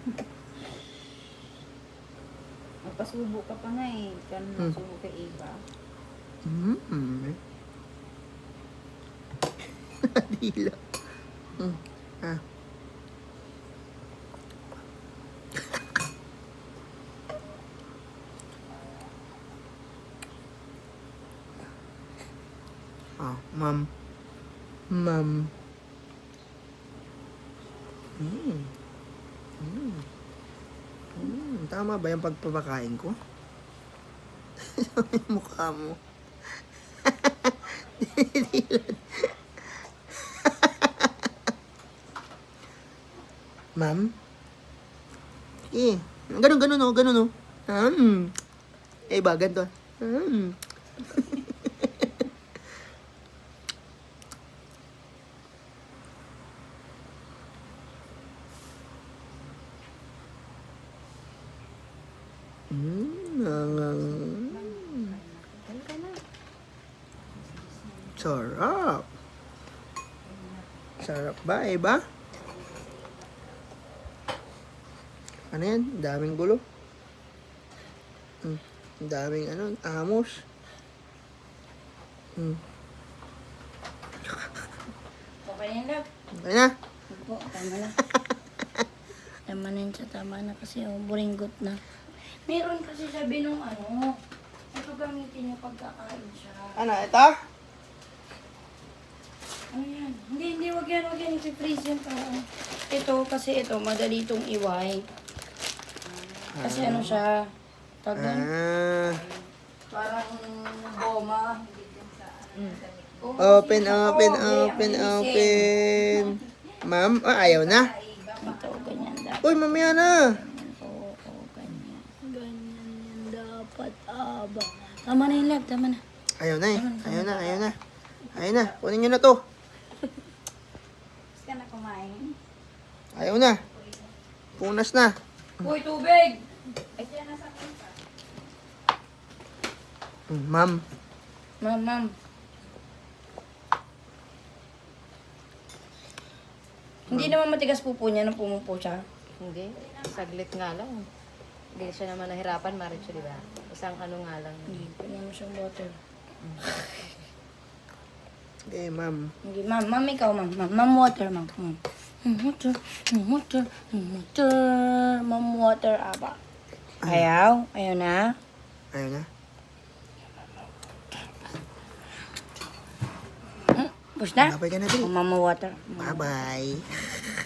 Magpasubo ka pa nga eh. Kaya nasubo kay Eva. Dila. Ah. Oh, ma'am. Ma'am. Tama ba yung pagpapakain ko? Yung mukha mo. Ma'am? Eh, ganun oh, ganun oh. Eh, ba, ganito. Sarap. Sarap ba, eh ba? Ano yan? Daming gulo. Daming amos. Okay na love. Okay na? Opo, tama na. Tama na yun sa tama na kasi buringgot na. Meron kasi sabi nung ito gamitin niya pagkakain siya. Ano, ito? Ano yan? Hindi, wag yan. I-freeze yan para. Ito, kasi ito, madali itong iway. Kasi ano siya, tagan. Parang goma. Open. Ma'am, ayaw na. Ito, ganyan dapat. Uy, mamaya na. Oo, ganyan. Ganyan yan dapat, aba. Tama na yung lab, tama na. Ayaw na. Ayaw na. Kunin nyo na to. Gusto ka na kumain? Ayaw na. Punas na. Uy, tubig! Ito yan nasa kunta. Ma'am. Ma'am. Hindi naman matigas pupo niya nung pumupo siya. Hindi. Saglit nga lang. Hindi siya naman nahirapan, Maricho, di ba? Isang ano nga lang. Hindi, pwede mo siyang water. Okay, ma'am. Hindi, ma'am, ikaw, ma'am. Ma'am, water, ma'am. Ma'am, water, aba. Ayaw na. Ayaw na. Push na? Labay ka na, Dri. Ma'am, water. Bye-bye.